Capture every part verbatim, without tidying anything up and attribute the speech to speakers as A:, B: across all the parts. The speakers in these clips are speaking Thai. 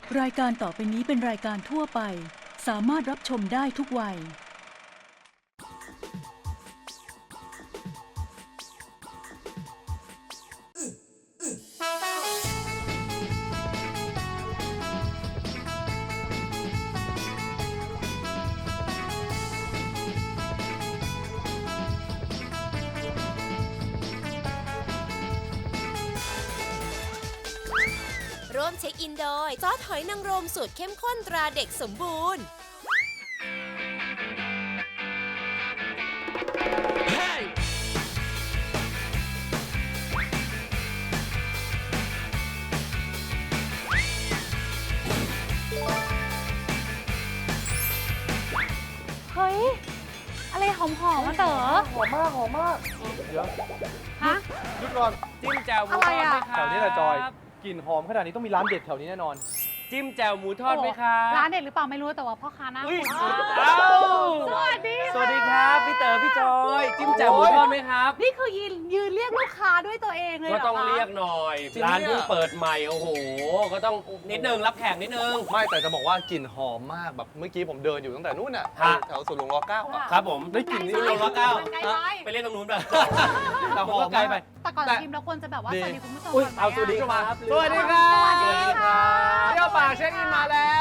A: รายการต่อไปนี้เป็นรายการทั่วไปสามารถรับชมได้ทุกวัย
B: ร่วมเช็คอินโดยซอสหอยนางรมสูตรเข้มข้นตราเด็กสมบูรณ์
C: เฮ้ย อะไรหอมๆมาเต๋อ
D: หอมมากหอมมากเดี๋ยว
C: ฮะ
D: หยุดก่อน
E: จิ้มแจ่วหมูทอดไหมครับ
D: แถวนี้แหละจอยกลิ่นหอมขนาดนี้ต้องมีร้านเด็ดแถวนี้แน่นอน
E: จิ้มแจ่วหมูทอดไหมครับ
C: ร้านเด็ดหรือเปล่าไม่รู้แต่ว่าพ่อค้าหน้า
E: อุ้ย
C: คุ้น
E: เอ้า
C: สวัสดี
E: สวัสดีครับพี่เต๋อพี่จอยจิ้มแจ่วหมูทอดไหมครับ
C: นี่คือยืนยืนเรียกลูกค้าด้วยตัวเองเลยเหร
E: ก็
C: อคะ
E: ต้องเรียกหน่อย
D: จริง
E: ร้าน
D: เนี่ย
E: เพิ่งเปิดใหม่โอ้โหก็ต้องนิดนึงรับแขกนิดนึง
D: ไม่แต่จะบอกว่ากลิ่นหอมมากแบบเมื่อกี้ผมเดินอยู่ตั้งแต่นู่นน่ะ
E: ฮะ
D: แถวสวนหลวงรอเก้าอะ
E: ครับผม
D: ได้กลิ่นนี่
E: ลงร้อยเก้า
C: ไกลไป
E: ไปเล่นตรงนู้นไป
D: แต่หอม
E: ไกลไป
C: แต่ก่อน
D: แต่
C: ชิมเราควรจะแบบว่า
D: ดี
C: สวัสดีคุณผู้ชม
E: อุ้ย
C: ก่อนไหม
E: เอาสวัสดี
C: อะ
E: ครับ
D: สวัสดีครับ
C: สวัสดีค่ะ
D: เที่ยวป่าเช็คอินมาแล้ว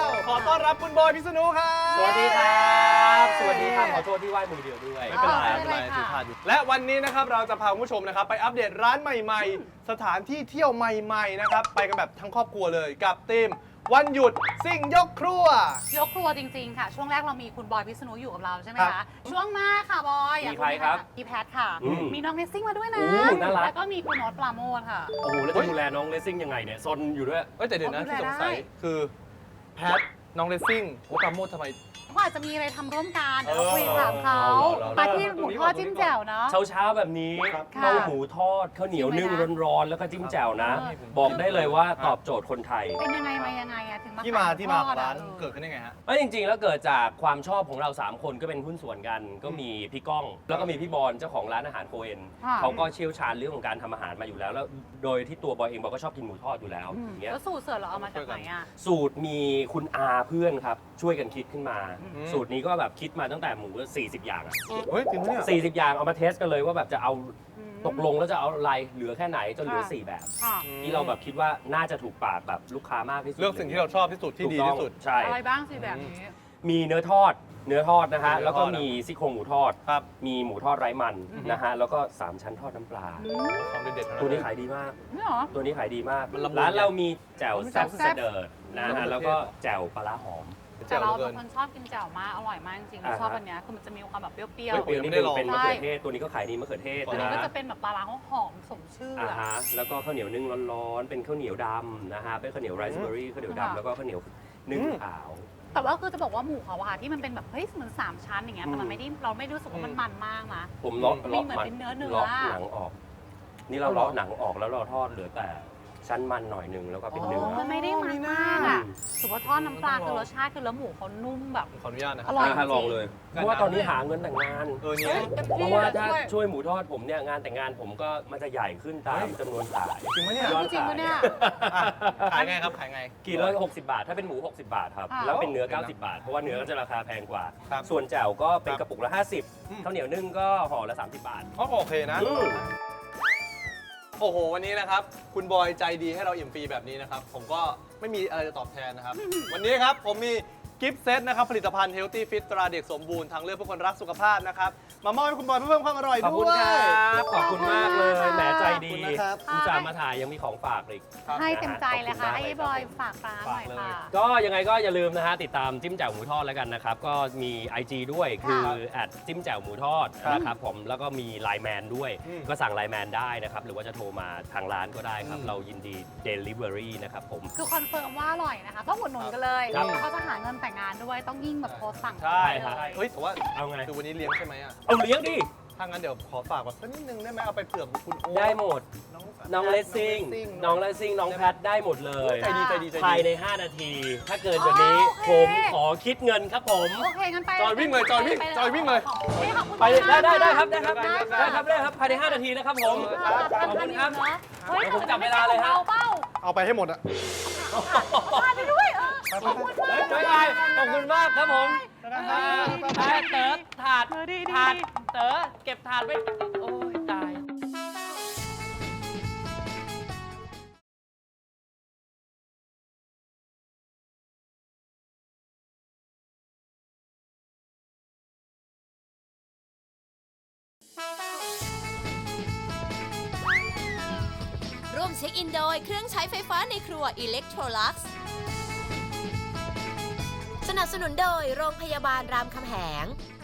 D: ขอต้อนรับคุณบอยพิษณุครับ
E: สวัสดีครับสวัสดีครับขอโทษที่ไหว้มือเดียวด้วย
D: ไม่เป็นไร
C: อ๋อ
D: ไม่เป็นไร
C: ไม่เป็นไร
D: ถือ
C: ค่ะ
D: ผ่านอยู่และวันนี้นะครับเราจะพาคุณผู้ชมนะครับไปอัปเดตร้านใหม่ๆ สถานที่เที่ยวใหม่ๆนะครับไปกันแบบทั้งครอบครัวเลยกับทีมวันหยุดซิ่งยกครัวย
C: กครัวจริงๆค่ะ ช่วงแรกเรามีคุณบอยพิษณุอยู่กับเราใช่ไหม
D: ครั
C: คะ
D: บ
C: ช่วงหน้าค่ะบอยอยาก
E: มีใครครับ
C: พี่แพทค่ะ
E: อืม
C: มีน้องเนสซิ่งมาด้วยนะ
E: โอ้น่ารัก
C: แล้วก็มีคุณโน้ตปราโมทค่ะ
E: โอ้โหแล้วจะดูแลน้องเลสซิ่งยังไงเนี่ยซนอยู่ด้วย
D: เอ้ยแต่เดี๋ยวนะ
C: เอาดู
D: ที่
C: แล
D: สงสัย
C: ได้
D: คือแพทน้องเลสซิ่งโอ้ปราโมททำไม
C: เขาอาจจะมีอะไรทำร่วมกันเดี๋ยวเรา
D: เออ
C: คุยถามเขา
D: เอาเหรอ
C: มาที่หมูทอดจิ้มแจ่วเนาะ
E: เช้าเช้าๆแบบนี้
D: ครับ
C: ค่ะ
E: ข้าวหมูทอดข้าวเหนียวนึ่ง
C: ชิมไหมนะ
E: ร้อนๆแล้วก็จิ้มแจ่วนะ
C: เออ
E: บอกได้เลยว่าตอบโจทย์คนไทย
C: เป็นยังไงมายังไงอะถึงมา
D: ที่มา
C: ขย
D: ที่มาของ
C: ทอดอะ
D: ร้าน
C: ออ
D: เกิดขึ้นได้ไงฮะ
E: เอ้ยจริงๆ แล้วเกิดจากความชอบของเราสามคนก็เป็นหุ้นส่วนกัน ก็มีพี่ก้อง แล้วก็มีพี่บอลเจ้าของร้านอาหารโคเอน
C: ค่ะ
E: เขาก็เชี่ยวชาญเรื่องของการทำอาหารมาอยู่แล้ว แล้วโดยที่ตัวบอยเองบอยก็ชอบกินหมูทอดอยู่แล้ว
C: อืม
E: อย่างเงี้ย
C: แล้วสูตรเสิร์ฟเราเอามาจากไหนอะ
E: สูตรมีคุณอาเพื่อนครับช่วยกันคิดขึ้นมา
D: อืม
E: สูตรนี้ก็แบบคิดมาตั้งแต่หมูสี่สิบอย่างอะ
D: เฮ้ยจริงไหมเนี่ย
E: สี่สิบอย่างเอามาเทสกันเลยว่าแบบจะเอา
C: อืม
E: ตกลงแล้วจะเอาอะไรเหลือแค่ไหนจนเหลือ
C: ค่ะ
E: สี่แบบ
C: ค่ะ
E: ที่เราแบบคิดว่าน่าจะถูกปากแบบลูกค้ามากที่สุด
D: เลือกสิ่งที่เราชอบที่สุดที่ดีที่สุด
E: ถูกต้องใช่
C: อะไรบ้างสิแบบนี้
E: มีเนื้อทอด เนื้อทอดนะฮะ
D: เนื้อทอด
E: แล้วก็มีซี่โครงหมูทอด
D: ครับ
E: มีหมูทอดไร้มัน
C: อืม
E: นะฮะ แล้วก็สามชั้นทอดน้ำปลา
C: อืม
D: ของเด็ดๆทั้ง
E: ตัวนี้
D: เลย
E: ขายดีมาก
C: นี่เหรอ
E: ตัวนี้ขายดีมาก
D: มันละมุน
E: ร้านเรามีแจ่วแซ่บ
C: แซ่บ
E: เสดิร์ดนะ
D: แซ่
E: ฮะ
D: บ
E: แล้วก็แจ่วปลาร้าหอม
C: แต่เรา
D: เกิ
C: เป็น นคนชอบกินแจ่วมาก อร่อยมากจริงๆเรา
E: อ่าฮะ
C: ชอบอันเนี้ยคือมันจะมีความแบบเปรี้ยว
E: เฮ้ย
D: เปรี้
E: ตัว
D: ยว
E: นี้
D: ไม่ได้ลอง
E: เป็นมะเขือเทศ ตัวนี้ก็ขายดีมะเขือเทศ
C: ๆตัวนี้
E: นะ
C: ก็
E: ฮะ
C: จะเป็นแบบปลาร้าหอมสมชื่อ
E: อ่า
C: อะ
E: ฮะ แล้วก็ข้าวเหนียวนึ่งร้อนๆ เป็นข้าวเหนียวดำนะฮะ เป็นข้าวเหนียวไรซ์เบอร์รี่ ข้าวเหนียว
C: ค่ะ
E: ดำแล้วก็ข้าวเหนียวนึ่งขาว
C: แต่ว่าคือจะบอกว่าหมูเขาอะค่ะที่มันเป็นแบบเฮ้ยเหมือนสามชั้นอย่างเงี้ยแต่
E: อื
C: มัน
E: ม
C: ไม่ได้เราไม่รู้สึกว่ามันมันมากนะ
E: ผมเลาะ
C: มี
E: เลาะ
C: เหมือนเป็นเนื้อเนื้อ
E: เลาะหนังออก นี่เราเลาะหนังออกแล้วเราทอดเหลือแต่ชั้นมันหน่อยหนึงแล้วก็เป็นเนื้อ
C: มันไม่ได้มันมากอะถือว่าทอดน้ำปลาคือรสชาติคือแล้วหมูเขานุ่มแบบ
D: ขออนุญาตนะค
C: อ
D: รับ
C: ร่อย
E: อ่ะลองเลย เพราะว่าตอนนี้หาเงินแต่งงาน
D: เออเนี่ย
E: เพราะว่าถ้าช่วยหมูทอดผมเนี่ยงานแต่งงานผมก็มันจะใหญ่ขึ้นตามจำนวนสาย
D: จริงไหมเนี่ย
E: ยอด
C: จริงปะเนี่ย
D: อ่ะขายไงครับขายไง
E: กิโลหกสิบบาท ถ้าเป็นหมู หกสิบบาทครับ
C: อ่า
E: แล้วเป็นเนื้อ เก้าสิบบาท เพราะว่าเนื้อก็จะราคาแพงกว่า
D: ครับ
E: ส่วนแจ่วก็เป็น
D: ครับ
E: กระปุกละห้าสิบ
D: อืม
E: ข้าวเหนียวนึ่งก็ห่อละสามสิบบาท
D: ก็โอเคนะ
E: อืม
D: โอ้โห วันนี้นะครับ คุณบอยใจดีให้เราอิ่มฟรีแบบนี้นะครับ ผมก็ไม่มีอะไรจะตอบแทนนะครับ วันนี้ครับ ผมมีกิฟต์เซตนะครับ ผลิตภัณฑ์ Healthy Fit ตราเด็กสมบูรณ์ทางเลือกเพื่อคนรักสุขภาพนะครับ มามอบให้คุณบอยเพื่อเพิ่มความอร่อย
E: ขอบ
D: ด้
E: คุณ
D: วย
E: ครับ ขอบคุณมากเลย แหมใจดี
D: ขอบคุณนะครับ
E: อุตส่าห์มาถ่ายยังมีของฝากอีก
D: ครับ
C: ให้เต็มใจเลยค่ะ
E: ขอบคุณมาก
C: ให้
E: เลยครับ
C: บอยฝากร้านหน่อยค่ะ
E: ก็ยังไงก็อย่าลืมนะฮะ ติดตามจิ้มแจ่วหมูทอดแล้วกันนะครับ ก็มี ไอ จี ด้วยคือแอดจิ้มแจ่วหมูทอดนะครับผมแล้วก็มีไลน์แมนด้วย
D: อืม
E: ก็สั่งไลน์แมนได้นะครับ หรือว่าจะโทรมาทางร้านก็ได้ครับ
D: อืม
E: เรายินดี Delivery นะครับผม
C: คือคอนเฟิร์มว่าอร่อยนะคะต้องอุดหนุนกันเลย
E: ครับ
C: เขาจะหาเงินแต่งงานด้วยต้องยิ่งแบบโทรสั่ง
D: ใช่
C: เลย
D: เฮ้ยแต่ว่า
E: เอาไง
D: คือวันนี้เลี้ยงใช่ไหมอ่ะ
E: เอาเลี้ยงดิ
D: ถ้างั้นเดี๋ยวขอฝากแบบสักนิดนึงได้ไหมเอาไปเผื่อคุณโอ๊ต
E: ได้หมด
D: น้อง
E: น้องเลสซิ่ง น้องเลสซิ่ง น้องแพทได้หมดเลย
D: ใจดีใจดีใจดี
E: ภายใน ห้า นาที ถ้าเกินกว่านี้
C: อ๋อโอเค
E: ผมขอคิดเงินครับผม
C: โอเคงั้นไป
D: จอยวิ่งเลยจอยวิ่ง
C: ไป
D: จอยวิ่งเลย
C: ฮ้ขอบคุณ
E: ไปเลยได้
C: มาก
E: ได้ได้
C: นะครับ
E: ได้ครับได้ครับได้ครับภายใน ห้า นาทีนะครับผม ขอบคุณครับ
C: เฮ้ย
E: ผมจับเวลาเลยฮะ
C: เบาเป้า
D: เอาไปให้หมดอะ
C: ผ่านไปด้วย
D: ไปไปไป
E: เฮ้ยบ๊ายบายขอบคุณมากครับผมไปเต๋อถาดถาดเต๋อเก็บถาดไว้โอ้ยตาย
B: ร่วมเช็คอินโดยเครื่องใช้ไฟฟ้าในครัว Electrolux สนับสนุนโดยโรงพยาบาลรามคำแหง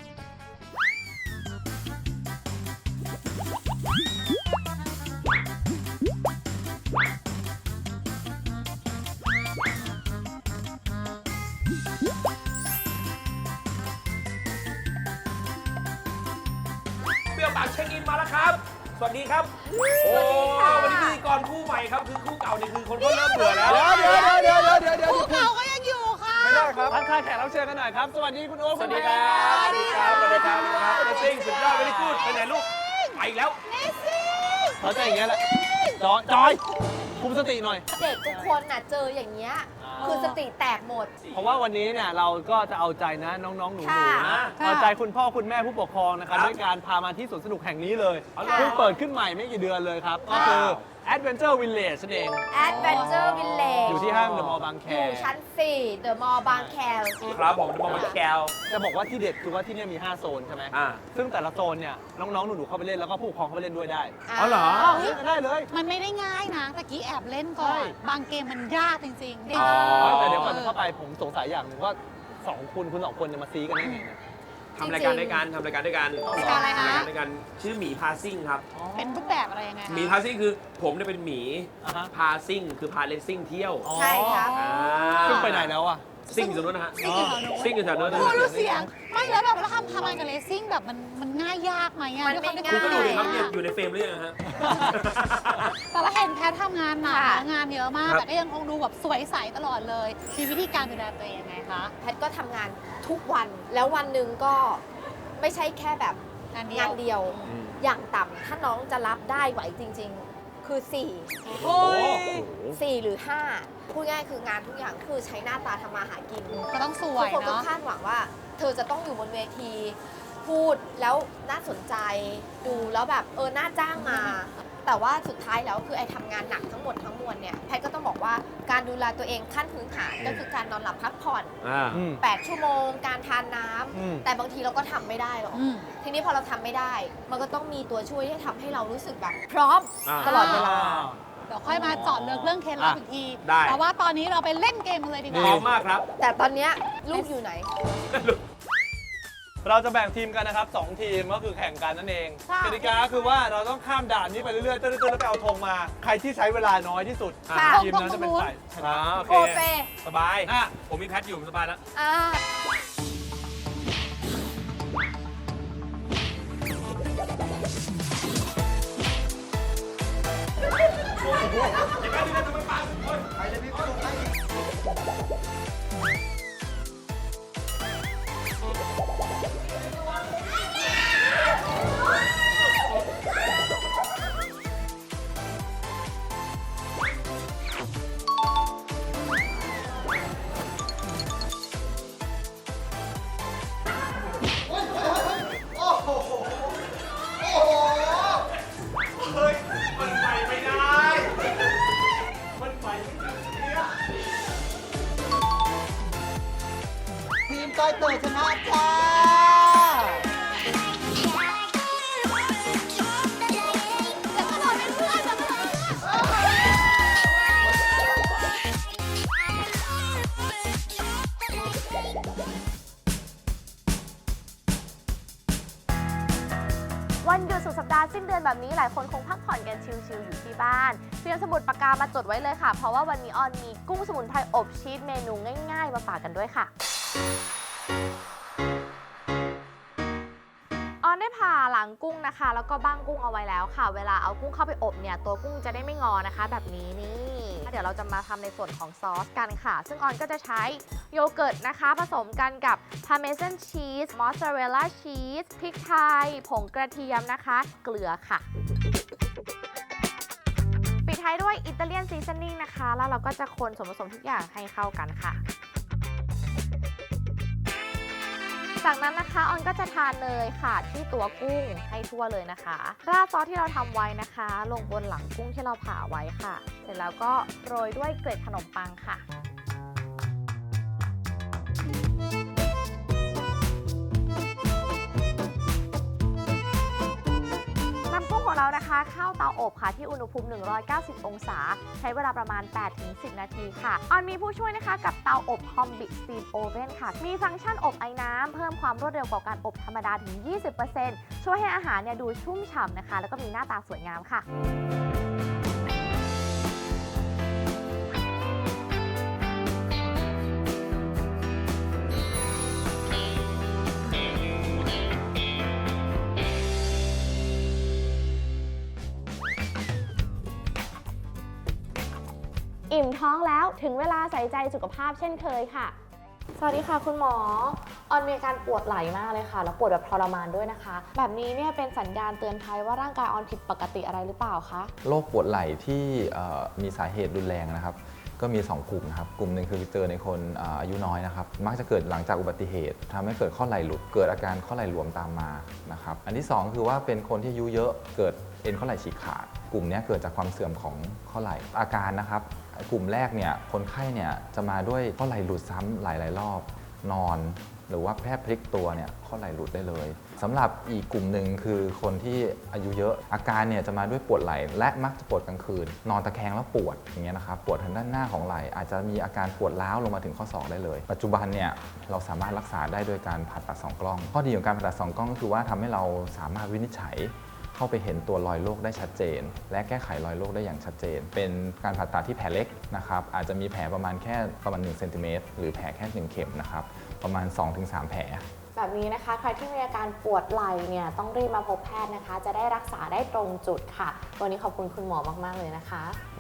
F: เปรี้ยวปากเช็คอินมาแล้วครับ สวัสดีครับ
B: สวัสดีค่ะ
F: โอ้วันนี้พิธีกรคู่ใหม่ครับ คือคู่เก่าเนี่ยคือคนก็เริ่มเบื่อแล้ว
D: เดี๋ยวเดี๋ยวเดี๋ยวเดี๋ยวเดี๋ยวเดี๋ยว
C: เก่าก็ยังอยู่ค่ะ
D: ไม่ได้ครับทักทายแขกรับเชิญกันหน่อยครับ สวัสดีคุณโอ๊ค
F: สวัสดีครับ สวัสดีครับ สวัสดีครับเนสซิ่งสุดยอดไม่ได้พูดไปไหนลูก ไปอีกแล้ว
D: เขาใจอย่างเงี้ยแหละจอยจอยคุมสติหน่อย
G: เด็กทุกคนน่ะเจออย่างเงี้ยคือสติแตกหมด
D: เพราะว่าวันนี้เนี่ยเราก็จะเอาใจนะน้องๆหนูๆ
G: ค่ะ
D: นะเอาใจคุณพ่อคุณแม่ผู้ปกครองนะครับด้วยการพามาที่สวนสนุกแห่งนี้เลย
F: อ๋อเหรอ
D: เพิ่งเปิดขึ้นใหม่ไม่กี่เดือนเลยครับ ก็คือ Adventure Village นั่นเอง
G: Adventure Village
D: อยู่ที่ห้างเดอะมอลล์บางแค
G: อยู่ชั้น สี่ The Mall บางแค
F: ครับผมจะมามาแคล
D: จะบอกว่าที่เด็ดคือว่าที่เนี่ยมีห้าโซนใช่ไหม
F: อ่า
D: ซึ่งแต่ละโซนเนี่ยน้องๆหนูๆเข้าไปเล่นแล้วก็ผู้ปกครองเข้าไปเล่นด้วยได้
G: อ๋อเหรอ
D: เล่นกันได้เลย
C: มันไม่ได้ง่ายนะตะกี้แอบเล่นก่อ
D: ใช่
C: น บางเกมมันยากจริงๆเด็ก
F: อ๋อ
D: แต่เดี๋ยวก่อนเข้าไปผมสงสัยอย่างหนึ่งว่าสองคุณคุณสองคนจะมาซีกันได้ไงเนี่ย
F: ทำรายการด้วยกันทำรายการด้วยกัน
C: รายการอะไรคะ
F: ทำรายการด้วยกันชื่อหมีพาซิ่งครับ
C: เป็นรูปแบบอะไรยังไงคะ
F: หมีพาซิ่งคือผมเนี่ยเป็นหมี
D: อ่าฮะ
F: พาซิ่งคือพาเลนซิ่งเที่ยว
G: ใช่ครับ
F: อ่า
D: ซึ่งไปไหนแล้วอ่ะ
F: ซิ่งอยู่ตรงนู้นนะฮะ
C: ซิ่งอยู่แถวนู้น
F: ซิ่งอยู่แถวนู้นนะ
C: โอ้
F: ฮะ
C: รู้เสียง ไม่แล้วแบบแล้วทำทำงานกับเลสซิ่งแบบมันมันง่ายยากไหมอะ
G: มัน
C: ด้วย
G: ไม่
C: ความที่
F: คุณก็ดูดิครับ
C: อะ
F: เนี่ยอยู่ในเฟรมหรือยังฮะ
C: แต่ละเห็นแพททำงานหนัก
G: ค่ะ
C: นะงานเยอะมาก
F: ครับ
C: แต่ก็ยังคงดูแบบสวยใสตลอดเลย มีวิธีการดูแลตัวเองยังไงคะ
G: แพทย์ก็ทำงานทุกวัน แล้ววันหนึ่งก็ไม่ใช่แค่แบบ
C: งานเดีย
G: งาว นเดียว
F: อืม
G: อย่างต่ำถ้าน้องจะรับได้ไหวจริง ๆ คือ สี่
F: โอ้โห
G: สี่หรือ ห้า พูดง่ายคืองานทุกอย่างคือใช้หน้าตาทำมาหากิน
C: ก็ต้องสว
G: ทุก
C: ย
G: คนก็
C: เนาะ
G: คาดหวังว่า เธอจะต้องอยู่บนเวทีพูดแล้วน่าสนใจดูแล้วแบบเออน่าจ้างมา แต่ว่าสุดท้ายแล้วคือไอ้ทำงานหนักทั้งหมดทั้งมวลเนี่ยแพทย์ก็ต้องบอกว่าการดูแลตัวเองขั้นพื้นฐานก็คือการนอนหลับพักผ่อน
F: อ่า
D: อืม
G: แปด ชั่วโมง การทานน้ำ
D: อืม
G: แต่บางทีเราก็ทำไม่ได้หรอก
C: อืม
G: ทีนี้พอเราทำไม่ได้ มันก็ต้องมีตัวช่วยที่ทำให้เรารู้สึกแบบ พร้อม
F: อ่า
G: ตลอดเวลา
C: เดี๋ยวค่อยมาเจาะเลือกเรื่องเคล็ดลับอีกที
F: ได้
C: แต่ว่าตอนนี้เราไปเล่นเกมกันเลยดีก
F: พร้อ
C: ว่า
F: มมากครับ
G: แต่ตอนเนี้ยลูกอยู่ไหน
D: เราจะแบ่งทีมกันนะครับสองทีมก็คือแข่งกันนั่นเอง
C: ค่ะ
D: กติกาคือว่าเราต้องข้ามด่านนี้ไปเรื่อยๆตื้อๆแล้วไปเอาธงมา ใครที่ใช้เวลาน้อยที่สุด
G: ค่ะ
D: ทีมนั้นจะเป็นฝ่ายชนะ
F: อ่าโอ
G: โอ
F: เค
G: เค
F: สบาย
D: อ่ะ
F: ผมมีแพทอยู่สบายแล้ว
G: อ่า
H: ทีมก้อยเต๋อชนะจ้า
I: วันหยุดสุดสัปดาห์สิ้นเดือนแบบนี้หลายคนคงพักผ่อนกันชิลๆอยู่ที่บ้านเตรียมสมุดปากกามาจดไว้เลยค่ะ เพราะว่าวันนี้ออนมีกุ้งสมุนไพรอบชีสเมนูง่ายๆ มาฝากกันด้วยค่ะ ออนได้ผ่าหลังกุ้งนะคะ แล้วก็บ้างกุ้งเอาไว้แล้วค่ะ เวลาเอากุ้งเข้าไปอบเนี่ยตัวกุ้งจะได้ไม่งอนะคะ แบบนี้นี่เดี๋ยวเราจะมาทำในส่วนของซอสกันค่ะ ซึ่งออนก็จะใช้โยเกิร์ตนะคะ ผสมกันกับพาเมซานชีสมอสซาเรลล่าชีสพริกไทยผงกระเทียมนะคะ เกลือค่ะ ปิดท้ายด้วยอิตาเลียนซีซันนิ่งนะคะ แล้วเราก็จะคนส่วนผสมทุกอย่างให้เข้ากันค่ะจากนั้นนะคะออนก็จะทานเนยค่ะที่ตัวกุ้งให้ทั่วเลยนะคะราดซอสที่เราทำไว้นะคะ ลงบนหลังกุ้งที่เราผ่าไว้ค่ะ เสร็จแล้วก็โรยด้วยเกล็ดขนมปังค่ะนำกุ้งของเรานะคะเข้าเตาอบค่ะที่อุณหภูมิหนึ่งร้อยเก้าสิบองศาใช้เวลาประมาณ แปดถึงสิบ นาทีค่ะออนมีผู้ช่วยนะคะกับเตาอบ Combi Steam Oven ค่ะมีฟังก์ชันอบไอ้น้ำเพิ่มความรวดเร็วกว่าการอบธรรมดาถึง ยี่สิบเปอร์เซ็นต์ ช่วยให้อาหารเนี่ยดูชุ่มฉ่ำนะคะแล้วก็มีหน้าตาสวยงามค่ะอิ่มท้องแล้วถึงเวลาใส่ใจสุขภาพเช่นเคยค่ะสวัสดีค่ะคุณหมอออนมีอาการปวดไหล่มากเลยค่ะแล้วปวดแบบทรมานด้วยนะคะแบบนี้เนี่ยเป็นสัญญาณเตือนภัยว่าร่างกายออนผิดปกติอะไรหรือเปล่าคะ
J: โรคปวดไหล่ที่มีสาเหตุรุนแรงนะครับก็มีสองกลุ่มนะครับกลุ่มหนึ่งคือเจอในคนอายุน้อยนะครับมักจะเกิดหลังจากอุบัติเหตุทำให้เกิดข้อไหล่หลุดเกิดอาการข้อไหล่หลวมตามมานะครับอันที่สองคือว่าเป็นคนที่อายุเยอะเกิดเอ็นข้อไหล่ฉีกขาดกลุ่มนี้เกิดจากความเสื่อมของข้อไหล่อาการนะครับกลุ่มแรกเนี่ยคนไข้เนี่ยจะมาด้วยข้อไหล่หลุดซ้ำหลายๆรอบนอนหรือว่าแค่พลิกตัวเนี่ยข้อไหล่หลุดได้เลยสำหรับอีกกลุ่มหนึ่งคือคนที่อายุเยอะอาการเนี่ยจะมาด้วยปวดไหล่และมักจะปวดกลางคืนนอนตะแคงแล้วปวดอย่างเงี้ยนะครับปวดทางด้านหน้าของไหล่อาจจะมีอาการปวดร้าวลงมาถึงข้อศอกได้เลยปัจจุบันเนี่ยเราสามารถรักษาได้โดยการผ่าตัดสองกล้องข้อดีของการผ่าตัดสองกล้องก็คือว่าทำให้เราสามารถวินิจฉัยเข้าไปเห็นตัวรอยโรคได้ชัดเจนและแก้ไขรอยโรคได้อย่างชัดเจนเป็นการผ่าตัดที่แผลเล็กนะครับอาจจะมีแผลประมาณแค่ประมาณหนึ่งเซนติเมตรหรือแผลแค่หนึ่งเข็มนะครับประมาณ สองถึงสาม แผล
I: แบบนี้นะคะใครที่มีอาการปวดไหล่เนี่ยต้องรีบมาพบแพทย์นะคะจะได้รักษาได้ตรงจุดค่ะวันนี้ขอบคุณคุณหมอมากๆเลยนะคะ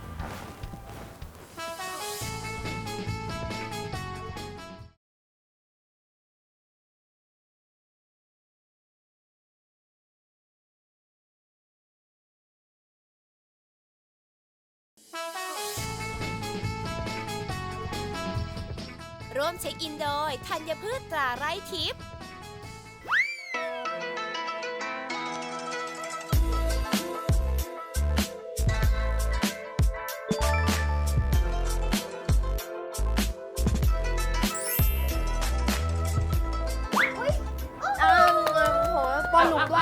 B: ร่วมเช็คอินโดยธัญพืชตราไร่ทิพย์
G: อ้าวโหปอนหลุมด้วย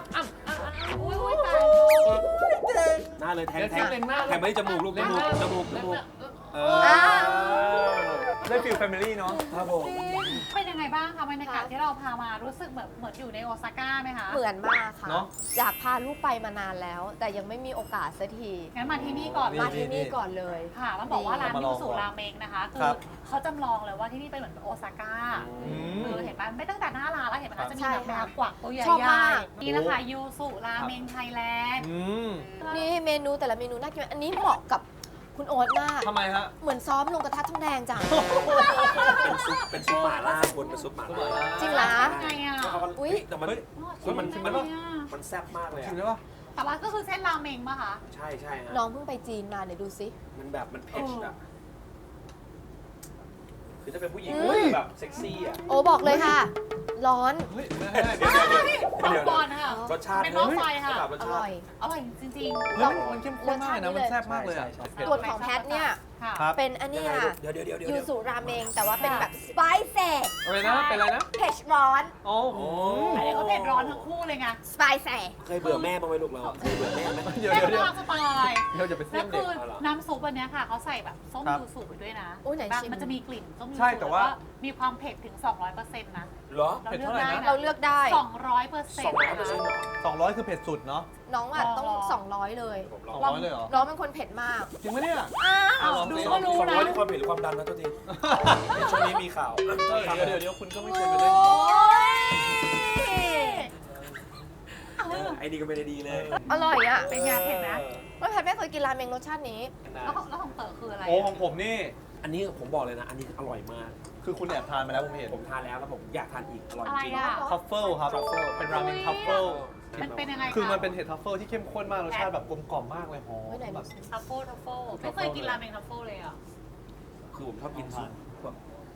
F: หน้าเลยแทงแทงแทงไปที่จมูกลูกจมูกจมูกจมูกเออ
D: ได้ฟิลแฟมิลี่เนาะครับผม
C: เป็นยังไงบ้างคะบรรยากาศที่เราพามารู้สึกเหมือนเหมือนอยู่ในโอซาก้าไหมคะ
G: เหมือนมากค่ะอยากพาลูกไปมานานแล้ว แต่ยังไม่มีโอกาสสักที
C: งั้นมาที่นี่ก่อน
G: มาที่นี่ก่อนเลย
C: ค่ะต้องบอกว่าร้านยูสุราเมงนะคะคือเขาจำลองเลยว่าที่นี่เป็นเหมือนโอซาก้าคือเห็นไหมไม่ตั้งแต่หน้าร้านแล้วเห็นไหมคะจะมีแบบแมวกวักตัวใหญ่ๆนี่แหละค่ะยูสุราเมงไทยแลนด์
G: นี่เมนูแต่ละเมนูน่ากินอันนี้เหมาะกับคุณโอ๊ตมาก
D: ทำไมฮะ
G: เหมือนซ้อมลงกระทะทองแดงจัง
F: เป็นซุปเป็นซุปหม่าล่าคุณเป็นซุปหม่าล่า
G: จริงเหรอ
C: ไงอ่ะ
G: อุ้ย
F: แต่มันมันมันมันแซ่บมากเลย
D: ชิมได้ปะ
C: แต่ว่าก็คือเส้นราเมงป่ะคะ
F: ใช่ใช่ฮะ
G: น้องเพิ่งไปจีนมาเดี๋ยวดูซิ
F: มันแบบมันเผ็ดอะคือถ้าเป็นผู้หญิงแบบเซ็กซี่อ่ะ
G: โอ้บอกเลยค่ะร้อน
D: เฮ้ย
C: เดี๋ยวก่อนค่ะ
F: รสชาติ
C: เป็นหม้อไฟค่ะ
G: อร่อย
C: อร่อยจริง
D: ๆแล้วมันเข้มข้นมากนะมันแซ่บมากเลยอ่ะ
G: ส่วนของแพทเนี่ยเป็นอันนี้ค่ะยูสุราเมงแต่ว่าเป็นแบบสไปซี่
D: อะไรนะเป็นอะไรนะ
G: เผ็ดร้อน
D: โอ้โห
C: อันนี้ก็เผ็ดร้อนทั้งคู่เลยไง
G: สไปซี่
F: เคยเบื่อแม่บ้างไหมลูกเราเคยเบื่อแม่ไหม
D: เดี๋ยว
C: เดี๋ยว
D: เดี๋ยว
C: สไตล์
D: เดี๋ยวจะไปเส้นเด็ก
C: น้ำซุปอันนี้ค่ะเขาใส่แบบส้มยูสุไปด้วยนะมันจะมีกลิ่นส้มยูสุ
D: ใช่แต่ว่า
C: มีความเผ็ดถึง สองร้อยเปอร์เซ็นต์ นะ
F: เหรอ
D: เผ็ดเท่าไหร่นะ
G: เราเลือกได้
C: สองร้อยเปอร์เซ็นต์
D: สองร้อยคือเผ็ดสุดเนาะ
G: น้องอ่ะต้องสองร้อยเลย
D: สองร้อยเลยเหรอ
G: น้องเป็นคนเผ็ดมาก
D: จริงไหมเนี่ย
C: อ้าวดูก็รู้นะ
F: สองร้อยความเผ็ดหรือความดันนะตัวจริงช่วงนี้มีข่าว
D: เดี๋ยวเดี๋ยวคุณก็ไม่ควรไปเล่น
F: ไอ้นี่ก็ไม่ได้ดีเลย
G: อร่อยอ่ะ
C: เป็นไงเผ็ดนะ
G: ว่าแพทไม่เคยกินราเมงรสชาตินี้
C: แล้วแล้วของเต๋อคืออะไร
D: โอ้ของผมนี่
F: อันนี้ผมบอกเลยนะอันนี้อร่อยมาก
D: คือคุณแอบทานมาแล้วผมเห็น
F: ผมทานแล้วแล้วผมอยากทานอีกอร่อยจริง
D: ทัฟเฟิลครับทัฟเฟิลเป็นราเมงทัฟเฟิล
C: มันเป็นยังไง
D: คือมันเป็นเห็ดทัฟเฟิลที่เข้มข้นมากรสชาติแบบกลมกล่อมมากเลยหอม
C: แบบทัฟเฟิลทัฟเฟิลไม่เคยกินราเมงทัฟเฟิลเลยอ่ะ
F: คือผมชอบกินซุปแบบ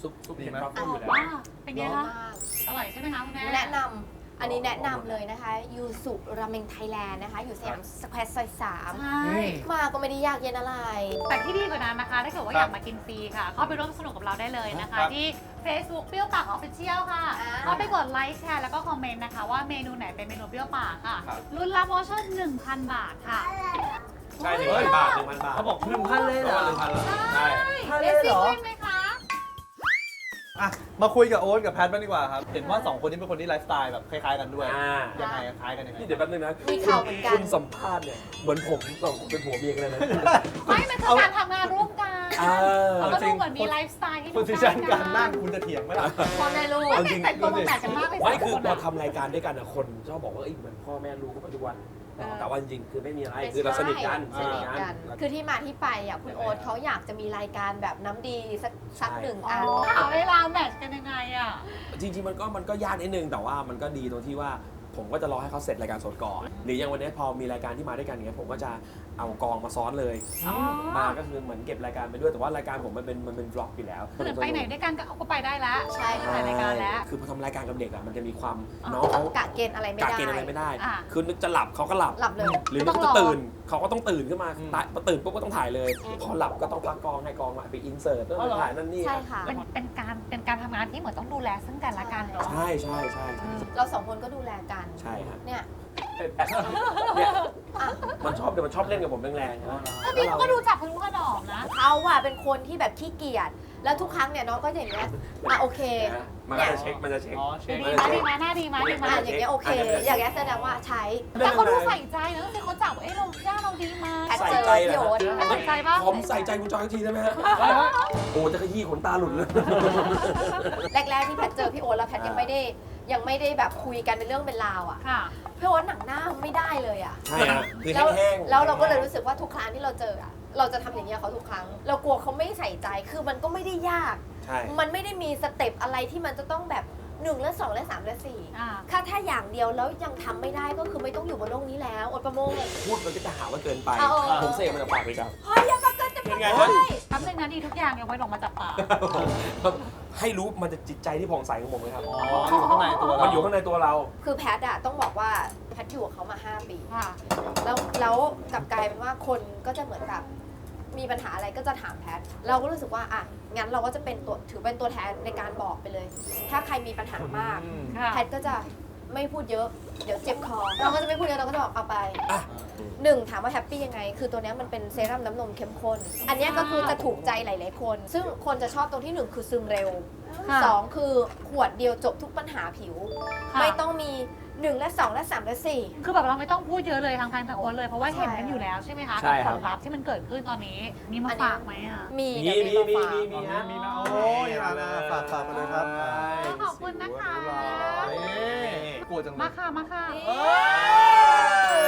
F: ซุปซุป
D: ดี
F: เห็ด
D: ไหม
F: ทรัฟเฟิลอยู่แล้ว
C: ว้าเป็นไงคะ
G: มาก
C: อร่อยใช่ไหมคะคุณแม่
G: แนะนำอันนี้แนะนำเลยนะคะยูสุราเมงไทยแลนด์นะคะ อยู่สยามสแควร์ซอยสาม
C: ใช่
G: มาก็ไม่ได้ยากเย็นอะไร
C: แต่ที่ดีกว่านั้นนะคะ ถ้าเกิดว่า
D: ครับ
C: อยากมากินฟรีค่ะ เข้าไปร่วมสนุกกับเราได้เลยนะคะ
D: ครับ
C: ที่ Facebook เปรี้ยวปากออฟฟิเชียลค่ะ
G: อ่า
C: เข้าไปกดไลค์แชร์แล้วก็คอมเมนต์นะคะ ว่าเมนูไหนเป็นเมนูเปรี้ยวปากค่ะ
D: ครับ
C: รุ่นรับโปรโมชั่นหนึ่งพัน บาทค่ะ
F: ใช่หนึ่งพันบาทหนึ่งพันบาท
D: เขาบอกหนึ่งพันเลยเหรอหนึ่งพันเลย
F: ใช่
C: เลสซิ่งเล่นไหมคะ
D: อ่ะมาคุยกับโอ๊ตกับแพทบ้างดีกว่าครับ เห็นว่าสองคนนี้เป็นคนที่ไลฟ์สไตล์แบบคล้ายๆกันด้วย
F: อ่า
D: ยังไงอะคล้ายกันยังไง
F: นี่เดี๋ยวแป๊บนึงนะ
G: มีข่าวเหมือนกัน
F: คุณสัมภาษณ์เนี่ยเหมือนผมสองคนเป็นผัวเมียกันเลยนะ
C: ไม่มันคือการทำงานร่วมกัน
F: เออ
C: แล้วก็ดูเหมือนมีไลฟ์สไตล์ที่
D: โพสิชันการนั่งคุณจะเถียงไหมล่ะ
G: พ่อแม่ลูก
F: เอาจริง
C: แต่งตัวมาแปลกกันมากเลย
F: ไม่คือ
C: สง
F: พอ
C: นะ
F: ทำรายการด้วยกันอะคนชอบบอกว่าเอ้ยเหมือนพ่อแม่รู้กันปัจจุบัน
C: เออ
F: แต่ว่าจริงๆคือไม่มีอะไรคือเราสนิทกัน
G: สนิทกัน คือที่มาที่ไปอ่ะคุณโอ๊ตเขาอยากจะมีรายการแบบน้ำดีสักสักหนึ่งอัน
C: หาเวลาแมทช์กันยังไงอ่ะ
F: จริงๆมันก็มันก็ยากนิดนึงแต่ว่ามันก็ดีตรงที่ว่าผมก็จะรอให้เขาเสร็จรายการสดก่อน หรืออย่างวันนี้พอมีรายการที่มาด้วยกันเนี้ยผมก็จะเอากองมาซ้อนเลย
C: อ๋อ
F: มาก็คือเหมือนเก็บรายการไปด้วยแต่ว่ารายการผมมันเป็นมันเป็นบล็อกอยู่แล้ว
C: คือไปไหนด้วยกันก็เอาก็ไปได้แล้ว
G: ใช่ค่ะ
C: ถ่ายรายการแล้ว
F: คือพอทำรายการกับเด็กอะมันจะมีความ
C: อ๋อ
F: น้องเขา
G: กะเกณฑ์อะไรไม่
F: กะ
G: ได้
F: เกณฑ์อะไรไม่ได้
C: อ่ะ
F: คือนึกจะหลับเขาก็หลับ
G: หลับเลย
F: หรือ
C: ก็
F: นึ
C: ต้
F: ก
C: องรอ
F: จะตื่นเขาก็ต้องตื่นขึ้นมา
D: อืม
F: ตายพอตื่นปุ๊บก็ต้องถ่ายเลย พอหลับก็ต้องพักกองให้กองมาไปอินเสิร์ตต้อง
D: อ๋อเหรอ
F: ถ่ายนั่นนี่
G: ใช่ค่ะ
C: เป็นเป็นการเป็นการทำงานที่เหมือนต้องดูแลซึ่งกันและกันเนาะ
F: ใช่ใช่ใช่ใช่
G: เราสองคนก็ดูแลกัน
F: ใช่ครับ
G: เนี่ย
F: เนี่ย
G: อ่ะ
F: มันชอบเดี๋ยวมันชอบเล่นกับผมแรงๆนะ
C: ก็พี่เขาก็ดูจับพลุขนอมนะ
G: เขาอะเป็นคนที่แบบขี้เกียจ แล้วทุกครั้งเนี่ยน้องก็อย่างเงี้ย อ่ะโอเค
F: นะมันก็จะเช็คมันจะเช็ค
D: อ๋อเช็ค
C: ดีมาดีมาหน้าดีมาดีมา
G: อ่ะอย่างเงี้ยโอเค อย่างเงี้ยแสดงว่าใช้
C: แต่เขาดูใส่ใจนะที่เขาจับเอ้ยเราหน้าเราดีมา
G: แพท
F: ใส่
G: เจอ
F: ใจเหร
G: พี่
F: อ
G: โอ๊ต
C: ใส่ใจป่ะ
F: ผมใส่ใจคุณจอยอีกทีได้ไหมฮะโอ้จะขยี้ขนตาหลุดเลย
G: แรกๆที่แพทเจอพี่โอ๊ตแล้วแพทยังไม่ได้ยังไม่ได้แบบคุยกันเป็นเรื่องเป็นราวอ่ะ
C: ค่ะ
G: พี่โอ๊ตหนังหน้าไม่ได้เลยอ่ะ
F: ใช่ฮะคือ
G: แล้ว
F: แห้งๆ
G: แล้วเราก็เลยรู้สึกว่าทุกครั้งที่เราเจออ่ะ เราจะทำอย่างเงี้ยเขาทุกครั้ง เรากลัวเขาไม่ใส่ใจ คือมันก็ไม่ได้ยาก
F: ใช่
G: มันไม่ได้มีสเต็ปอะไรที่มันจะต้องแบบหนึ่งและสองและสามและสี่
C: อ่า
G: ถ้าถ้าอย่างเดียวแล้วยังทำไม่ได้ก็คือไม่ต้องอยู่บนโลกนี้แล้วอดประโมง
F: พูดมันก็จะหาว่าเกินไป
G: เอา
F: ผมเสกมันจะปากเลยครับ
G: เฮ้ยอย่ามาเกินจะ
F: เป็น
G: ไป
F: ไง
G: เล
F: ฮะ
G: ย
C: แป๊บนึงนะดีทุกอย่างยังไม่ลงมาจับปาก
F: ให้รู้มันจะจิตใจที่ผ่องใสของผมเลยครับ
D: อ๋ออยู่ข้างในตัวเรา
F: มันอยู่ข้างในตัวเรา
G: คือแพทอะต้องบอกว่าแพทอยู่กับเขามาห้าปี
C: ค่ะ
G: แล้วแล้วกลับกลายเป็นว่าคนก็จะเหมือนแบบมีปัญหาอะไรก็จะถามแพท เราก็รู้สึกว่าอ่ะงั้นเราก็จะเป็นตัวถือเป็นตัวแทนในการบอกไปเลย ถ้าใครมีปัญหามาก
D: อืม
C: ค่ะ
G: แพทก็จะไม่พูดเยอะ เดี๋ยวเจ็บคอ เราก็จะไม่พูดเยอะเราก็จะบอกเอาไป
F: อ่ะ
G: หนึ่งถามว่าแฮปปี้ยังไง คือตัวเนี้ยมันเป็นเซรั่มน้ำนมเข้มข้น อันเนี้ยก็คือจะถูกใจหลาย ๆ คน ซึ่งคนจะชอบตรงที่หนึ่งคือซึมเร็ว
C: ค่ะ
G: สองคือขวดเดียวจบทุกปัญหาผิว
C: ค่ะ
G: ไม่ต้องมีหนึ่งและสองและสามและสี่
C: คือแบบเราไม่ต้องพูดเยอะเลยทางทางทางโอนเลยเพราะว่าเห็นกันอยู่แล้วใช่ไหมคะ
F: ใช่
C: กับ
F: ค
C: ผ
F: รับ
C: ลลัพธ์ที่มันเกิดขึ้นตอนนี้มีมาฝากไหมอ่ะ
G: มี
F: มี
G: เดี๋ยว
F: มี
G: มี
F: มี
G: มาฝาก
F: มี
D: มีนะโอ้ยมามาฝากฝากมาเลยครับ
C: ขอบคุณนะคะ
D: นี่กลัวจังเล
C: มาย ค่ะมาค่ะ
D: เอ้ย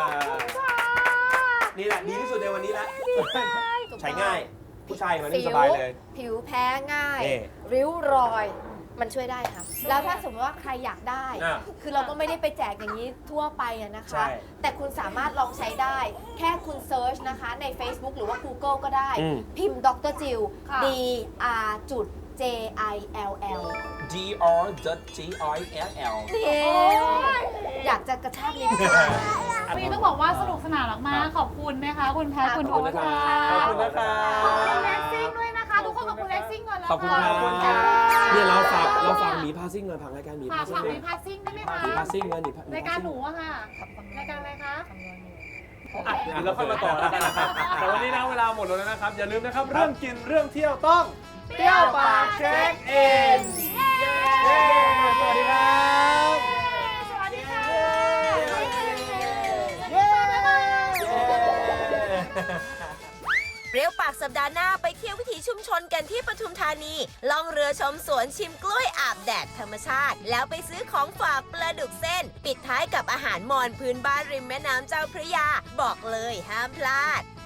F: นี่แหละดีที่สุดในวันนี้แล้ว ใช้ง่าย ผู้ชายมัน
G: สิ
F: นี่
G: ว
F: สบายเลย
G: ผิวแพ้ง่าย
F: นี่
G: ริ้วรอยมันช่วยได้ค่ะ แล้วถ้าสมมติว่าใครอยากได้
F: อ่ะ
G: คือเราก็ไม่ได้ไปแจกอย่างนี้ทั่วไปอะนะคะ
F: ใช่
G: แต่คุณสามารถลองใช้ได้ แค่คุณเซิร์ชนะคะใน Facebook หรือว่า Google ก็ได้
F: อืม
G: พิมพ์ดรจิล
C: ค่ะ
G: D R จุด J I L L
F: D R G I L L
G: นี่อยากจะกระชากลิ้น
C: วันนี้ต้องบอกว่าสนุกสนานมากๆขอบคุณนะคะ คุณแพทย์คุณ
F: ข
C: โอ๊
F: อบคุณ
C: ต
F: นะค
C: ค่ะ
F: รับ
D: ขอบคุณนะครับ
C: ขอบคุณแล็กซิ่งด้วยนะคะ ทุกคนขอบคุณแล็กซิ่งก่อนแล้ว
F: ขอบคุณครับ
C: ขอบค่ะ
F: เนี่ยเราฝากเราฝากหมีพาซิ่งเลยผังรายการหมี
C: ฝา
F: พาก ซิ่
C: ฝาง ก
F: เลย
C: มีพาสซิ่งได้ไหมคะ
F: หมีพาซิ่งเลยหมี
C: รายการหนูอะค่ะรายการอะไรคะ
D: อ่ะเดี๋ยวเราค่อยมาต่อแล้วกันนะครับแต่วันนี้นะเวลาหมดแล้วนะครับ อย่าลืมนะครับ เรื่องกินเรื่องเที่ยวต้องเปรี้ยวปากเช็คอินเย้สวัสดีครับ
C: สวัสดีค่ะ
D: เย้
B: เปรี้ยวปากสัปดาห์หน้าไปเที่ยววิถีชุมชนกันที่ปทุมธานีล่องเรือชมสวนชิมกล้วยอาบแดดธรรมชาติ แล้วไปซื้อของฝากปลาดุกเส้น ปิดท้ายกับอาหารมอญพื้นบ้านริมแม่น้ำเจ้าพระยา บอกเลยห้ามพลาด